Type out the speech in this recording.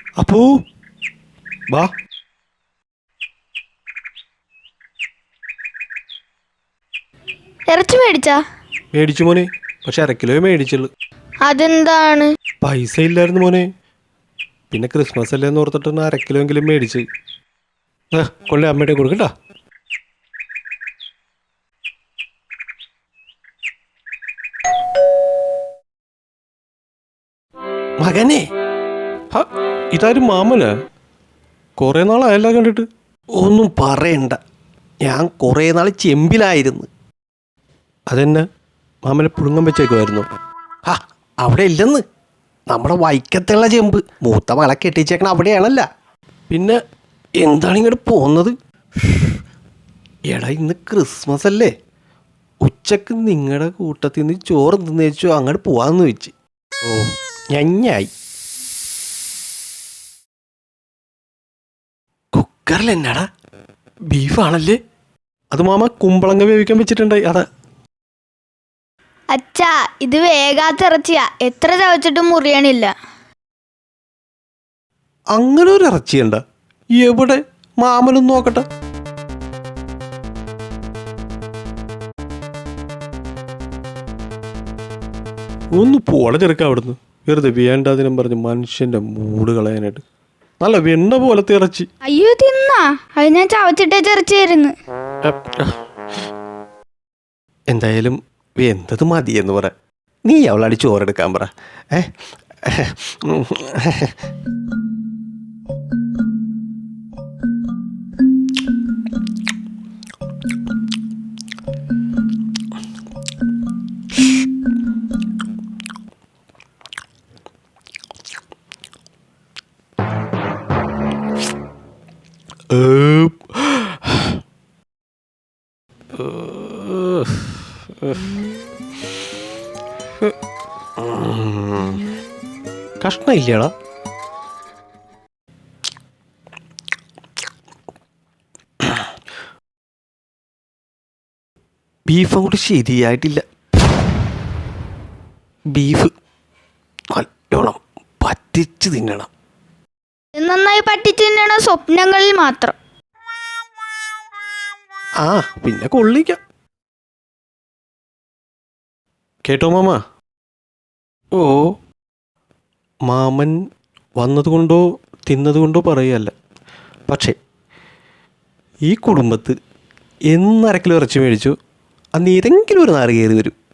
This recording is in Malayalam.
അപ്പൂ വാ. ഇറച്ചി മേടിച്ചാ? മേടിച്ചു മോനെ, പക്ഷെ 1/2 കിലോ മേടിച്ചുള്ളൂ. അതെന്താണ്? പൈസ ഇല്ലായിരുന്നു മോനെ. പിന്നെ ക്രിസ്മസ് അല്ലേന്ന് ഓർത്തിട്ട് 1/2 കിലോ എങ്കിലും മേടിച്ച്. കൊള്ളി അമ്മയുടെ കൊടുക്കട്ടാ. മകനെ, ഇതാരും മാമന് കുറേ നാളായല്ല കണ്ടിട്ട്. ഒന്നും പറയണ്ട, ഞാൻ കുറേ നാൾ ചെമ്പിലായിരുന്നു. അതെന്നെ മാമനെ പുഴുങ്ങം വെച്ചേക്കുമായിരുന്നു. അവിടെ ഇല്ലെന്ന്, നമ്മുടെ വൈക്കത്തുള്ള ചെമ്പ് മൂത്ത മകളെ കെട്ടിച്ചേക്കണ അവിടെയാണല്ല. പിന്നെ എന്താണ് ഇങ്ങോട്ട് പോകുന്നത്? എടാ ഇന്ന് ക്രിസ്മസ് അല്ലേ, ഉച്ചക്ക് നിങ്ങളുടെ കൂട്ടത്തിൽ നിന്ന് ചോറ് തിന്നേച്ചു അങ്ങോട്ട് പോവാന്ന് വെച്ച്. ഓ ഞഞ്ഞായി. കുക്കറിൽ എന്നാടാ ബീഫാണല്ലേ? അത് മാമ കുമ്പളങ്ങ വേവിക്കാൻ വെച്ചിട്ടുണ്ടായി. അതാ. അച്ഛാ, ഇത് വേഗാത്ത ഇറച്ചിയാ, എത്ര ചവച്ചിട്ടും മുറിയണില്ല. അങ്ങനെ ഒരു ഇറച്ചിയുണ്ട? എവിടെ? മാമനൊന്ന് നോക്കട്ടെ. ഒന്ന് പോള ചെറുക്ക അവിടുന്ന്, വെറുതെ വേണ്ടാതിനും പറഞ്ഞ് മനുഷ്യന്റെ മൂട് കളയാനായിട്ട്. നല്ല വെണ്ണ പോലത്തെ ഇറച്ചി. അയ്യോ, തിന്നാ? അത് ഞാൻ ചവച്ചിട്ടേ ഇറച്ചിയായിരുന്നു. എന്തായാലും എന്തത് മതിയെന്ന് പറ. നീ അവളടി ചോറെടുക്കാൻ പറ. കഷ്ണം ഇല്ലടാ. ബീഫ് അങ്ങോട്ട് ശരിയായിട്ടില്ല. ബീഫ് നല്ലോണം പറ്റിച്ച് തിന്നണം. നന്നായി പറ്റിച്ച് തിന്നണ സ്വപ്നങ്ങളിൽ മാത്രം. പിന്നെ കൊള്ളിക്കാം. കേട്ടോ മാമ? ഓ, മാമൻ വന്നതുകൊണ്ടോ തിന്നതുകൊണ്ടോ പറയുകയല്ല, പക്ഷേ ഈ കുടുംബത്ത് എന്ന് 1/2 കിലോ ഇറച്ചി മേടിച്ചു, അന്ന് ഏതെങ്കിലും ഒരു നാറ് കയറി വരും.